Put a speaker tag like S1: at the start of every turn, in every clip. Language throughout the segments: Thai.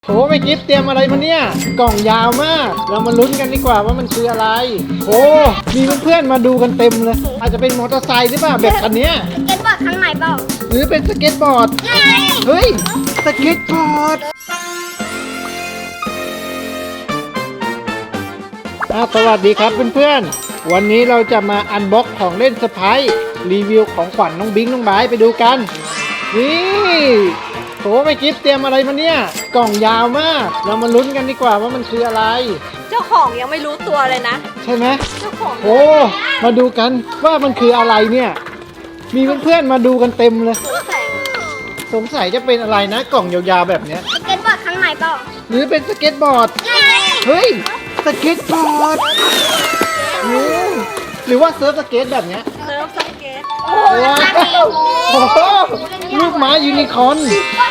S1: โหไม่กิฟเตรียมอะไรมาเนี่ยกล่องยาวมากเรามาลุ้นกันดีกว่าว่ามันคืออะไรโอ้มีเพื่อนๆมาดูกันเต็มเลยอาจจะเป็นมอเตอร์ไซค์หรือเปล่าแบบคันเนี้ย
S2: สเก็ตบอร์ดข้างในเปล่า
S1: หรือเป็นสเก็ตบอร์ดเฮ้ยสเก็ตบอร์ดสวัสดีครับเพื่อนๆวันนี้เราจะมาอันบ็อกของเล่นเซอร์ไพรส์รีวิวของขวัญน้องบิงน้องไบร์ทไปดูกันนี่โหไม่กิฟเตรียมอะไรมาเนี่ยกล่องยาวมากเรามาลุ้นกันดีกว่าว่ามันคืออะไร
S2: เจ้าของยังไม่รู้ตัวเลยนะ
S1: ใช่ไหม
S2: เจ้าของ
S1: โอ้มาดูกันว่ามันคืออะไรเนี่ยมีเพื่อนๆมาดูกันเต็มเลยสงสัยจะเป็นอะไรนะกล่องยาวๆแบบเนี้ย
S2: สเก็ตบอร์ดข้างในเปล่า
S1: หรือเป็นสเก็ตบอร์ดเฮ้ยสเก็ตบอร์ดหรือว่าเซิร์ฟสเก็ตแบบเนี้ย
S2: เซิร์ฟสเก็ต
S1: ว้าวโอ้โหลูกไม้ยูนิคอร์น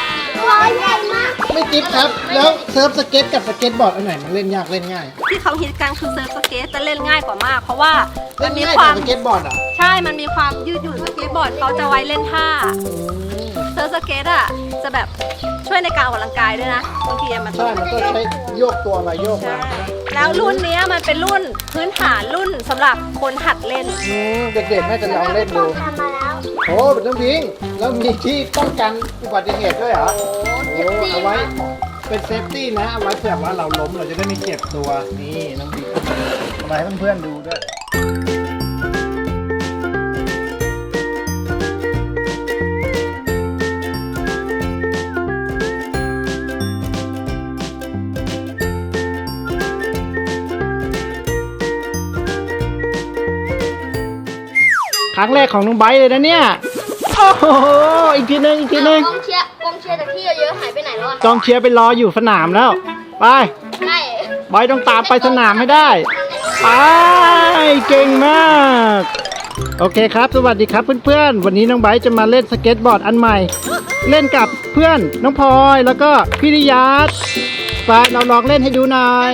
S1: ไม่จิ๊บครับแล้วเซิร์ฟสเก็ตกับสเก็ตบอร์ดอันไหนมันเล่นยากเล่นง่าย
S2: ที่เขาฮิตกันคือเซิร์ฟสเก็ตจะเล่นง่ายกว่ามากเพราะว่า
S1: มันมีความสเก็ตบอร์ดอ่ะ
S2: ใช่มันมีความยืดหยุ่นสเก็ตบอร์ดเขาจะไว้เล่นท่าเซิร์ฟสเก็ตอ่ะจะแบบช่วยในการออกกำลังกายด้วยนะบางทีมัน
S1: ใช่มันก็ใช้โยกตัวมาโยกมา
S2: แล้วรุ่นนี้มันเป็นรุ่นพื้นฐานรุ่นสำหรับคนหัดเล่น
S1: เด็กๆน่าจะลองเล่นดูโอ้เป็นน้องพิงแล้วมีที่ป้องกันอุบัติเหตุด้วยเหรอโอ้เอาไว้เป็นเซฟตี้นะเอาไว้เผื่อว่าเราล้มเราจะได้ไม่เจ็บตัวนี่น้องพิงมาให้เพื่อนๆดูด้วยครั้งแรกของน้องไบร์ทเลยนะเนี่ยโอ้โหอีกทีนึงกองเชียร์จากที่เยอะหายไปไหนแล้วกองเชียร์ไปรออยู่สนามแล้วไปไบร์ทต้องตามไปสนามให้ได้ไปเก่งมากโอเคครับสวัสดีครับเพื่อนๆวันนี้น้องไบร์ทจะมาเล่นสเก็ตบอร์ดอันใหม่เล่นกับเพื่อนน้องพลอยแล้วก็พี่ริยาไปเราลองเล่นให้ดูหน่อย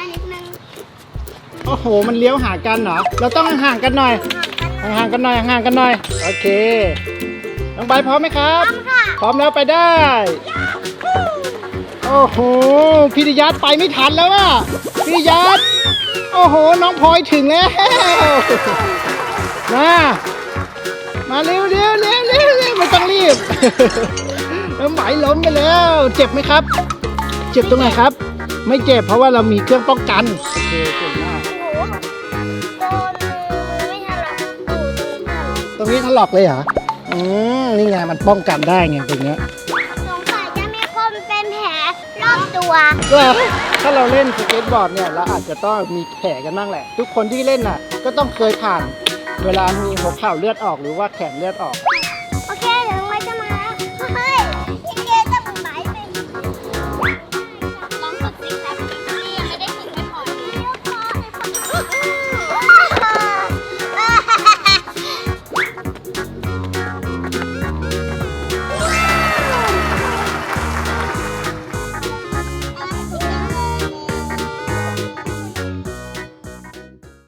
S1: โอ้โหมันเลี้ยวหากันเหรอเราต้องห่างกันหน่อยห่างกันหน่อยโอเคน้องใบพร้อมไหมครับพร้อมแล้วไปได้โอ้โหพี่ดิยัตไปไม่ทันแล้วอ่ะพี่ดิยัตโอ้โหน้องพลอยถึงแล้วมาเร็วไม่ต้องรีบน้องใบล้มไปแล้วเจ็บไหมครับเจ็บตรงไหนครับไม่เจ็บเพราะว่าเรามีเครื่องป้องกันโอเคเก่งมากตรงนี้ถลอกเลยเหรอนี่ไงมันป้องกันได้ไงตรงเนี้ย
S2: สงสัยจะมีคนเป็นแผลรอบตัว
S1: ถ้าเราเล่นสเก็ตบอร์ดเนี่ยเราอาจจะต้องมีแผลกันบ้างแหละทุกคนที่เล่นน่ะก็ต้องเคยผ่านเวลามีหัวเข่าเลือดออกหรือว่าแขนเลือดออก